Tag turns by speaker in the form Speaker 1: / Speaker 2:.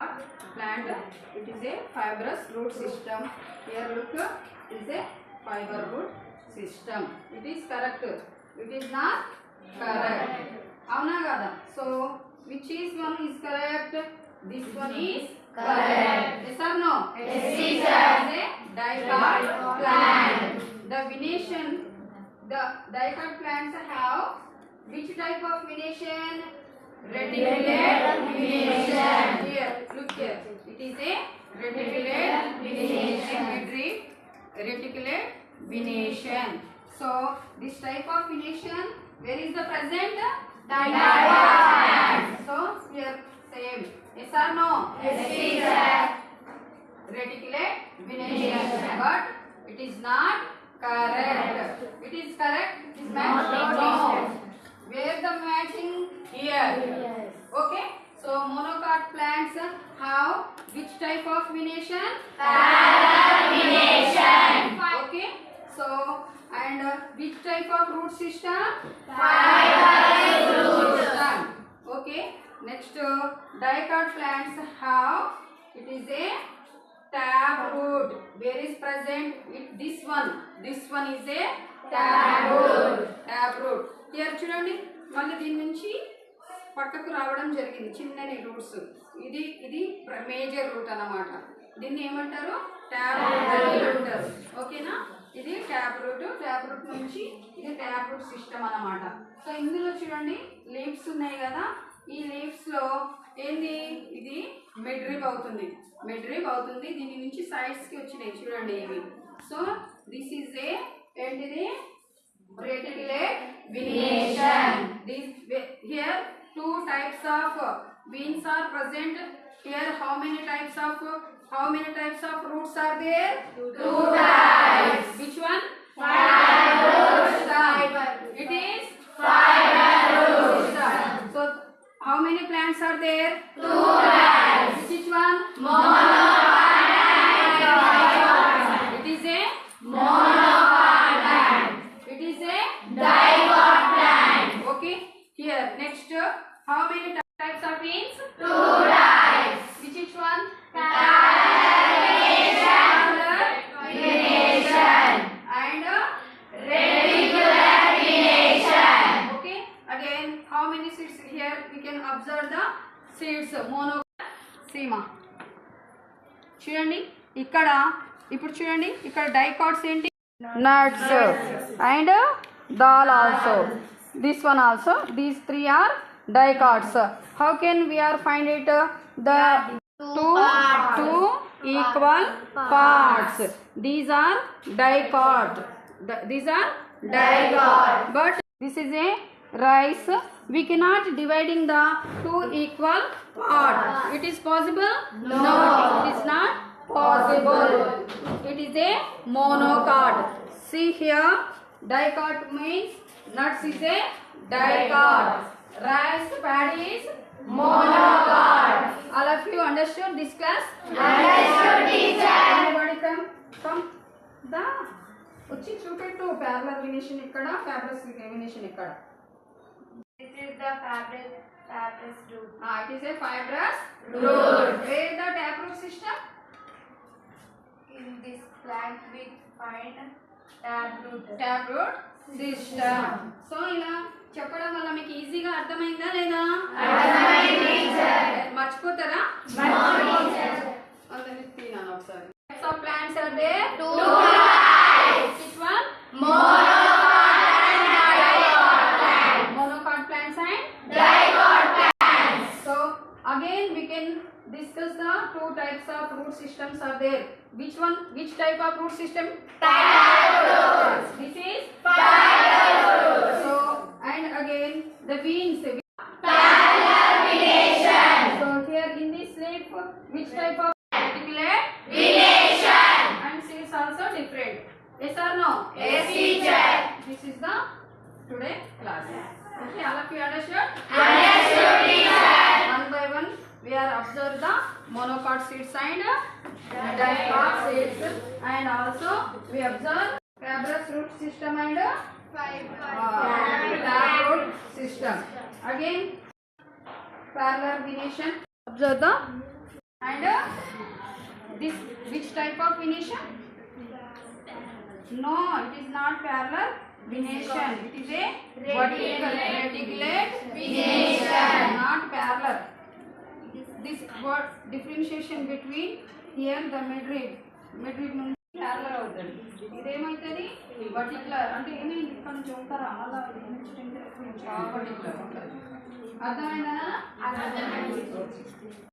Speaker 1: plant, it is a fibrous root system. Here look, it is a fiber root system. It is correct. It is not correct. Avuna kada? So which is one is correct? This one is correct. Yes or no?
Speaker 2: Yes, teacher.
Speaker 1: It is a dicot plant. The venation, the dicot plants have which type of venation? Reticulate venation. Here, look here. It is a reticulate venation. Reticulate venation. So this type of venation, where is the present? Dicot. So here same. Yes or no?
Speaker 2: Yes, teacher.
Speaker 1: Reticulate venation, but it is not correct. It is correct. It is matching. No. Where the matching? Here.
Speaker 2: Yes.
Speaker 1: Okay. So monocot plants have which type of venation?
Speaker 2: Parallel venation.
Speaker 1: Okay. So and which type of root system?
Speaker 2: Fibrous root
Speaker 1: system. Okay. Next dicot plants have, it is a taproot. Where is present? This one. This one is a taproot. Taproot. Here చూడండి మళ్ళీ దీని నుంచి పక్కకు రావడం జరిగింది చిన్నని roots. ఇది major root అన్నమాట. దీన్ని ఏమంటారు? ట్యాప్ రూట్ అంటారు. ఓకేనా? ఇది ట్యాప్ రూట్. ట్యాప్ రూట్ నుంచి ఇది ట్యాప్ రూట్ సిస్టమ్ అన్నమాట. సో ఇందులో చూడండి లీవ్స్ ఉన్నాయి కదా, ఈ లీవ్స్ లో ఏంది, ఇది మిడ్ రిబ్ అవుతుంది. మిడ్ రిబ్ అవుతుంది. దీని నుంచి సైడ్స్ కి వచ్చినాయి చూడండి ఇవి. సో దిస్ ఈజ్ ఏ ఏంటిది? Reticulate venation. Here two types of veins are present. Here how many types of roots are there?
Speaker 2: Two types.
Speaker 1: Which one?
Speaker 2: Fibrous
Speaker 1: Fiber. It is
Speaker 2: fibrous.
Speaker 1: So how many plants are there?
Speaker 2: Two types.
Speaker 1: Which one?
Speaker 2: Monocot and dicot.
Speaker 1: It is a
Speaker 2: Monocot plant.
Speaker 1: it is a
Speaker 2: Dicot plant.
Speaker 1: okay. Here next how many types of veins?
Speaker 2: Two types.
Speaker 1: Which one?
Speaker 2: Parallel venation
Speaker 1: And
Speaker 2: reticular venation.
Speaker 1: okay. Again how many seeds? Here we can observe the seeds. Mono సీమ చూడండి ఇక్కడ. ఇప్పుడు చూడండి ఇక్కడ dicots ఏంటి? Nuts and dal also. This one also. These three are dicots. How can we are find it? The two equal parts. These are dicot. These are dicot. But this is a rice. We cannot dividing the two equal part. It is possible?
Speaker 2: No.
Speaker 1: It is not possible. It is a monocot. See here, dicot means nuts is a dicot. Rice paddy is
Speaker 2: Monocot.
Speaker 1: All of you understood this class?
Speaker 2: Understood, teacher.
Speaker 1: Everybody come. Da. వచ్చి చూపెట్టు parallel venation ఇక్కడ, fibrous venation ఇక్కడ.
Speaker 2: This is the fibrous root.
Speaker 1: It is a fibrous
Speaker 2: Root.
Speaker 1: Where is the taproot system?
Speaker 2: In this plant we find taproot.
Speaker 1: Taproot system. So ఇలా చెప్పడం వల్ల మీకు ఈజీగా అర్థమైందా లేదా?
Speaker 2: అర్థమైంది, టీచర్.
Speaker 1: మర్చిపోతారా? అందరినీ తినాను ఒకసారి. So plants are there?
Speaker 2: Two types.
Speaker 1: Which one?
Speaker 2: Monocot and dicot plant.
Speaker 1: Monocot plants and
Speaker 2: Dicot plants.
Speaker 1: so again we can discuss the two types of root systems are there. Which one? Which type of root system?
Speaker 2: Taproot.
Speaker 1: This is
Speaker 2: Fibrous.
Speaker 1: so and again the veins.
Speaker 2: Parallel venation.
Speaker 1: So here in this leaf, which type of reticulate
Speaker 2: Venation.
Speaker 1: and seeds also different. Yes or no?
Speaker 2: Yes, teacher.
Speaker 1: This is the today class. Okay, all of you understood?
Speaker 2: Understood, teacher.
Speaker 1: One by one we are observe the monocot seeds and dicot seeds, and also we observe fibrous root system and taproot system. Again parallel venation. Observe the And this which type of venation? No, it is not parallel venation. It is a reticulate venation, not parallel. This word differentiation between here the midrib నుంచి parallel అవుతుంది. ఇదేమైతుంది వర్టికులర్ అంటే ఏమి ఇక్కడ నుంచి ఉంటారా అలా particular అర్థమైందా?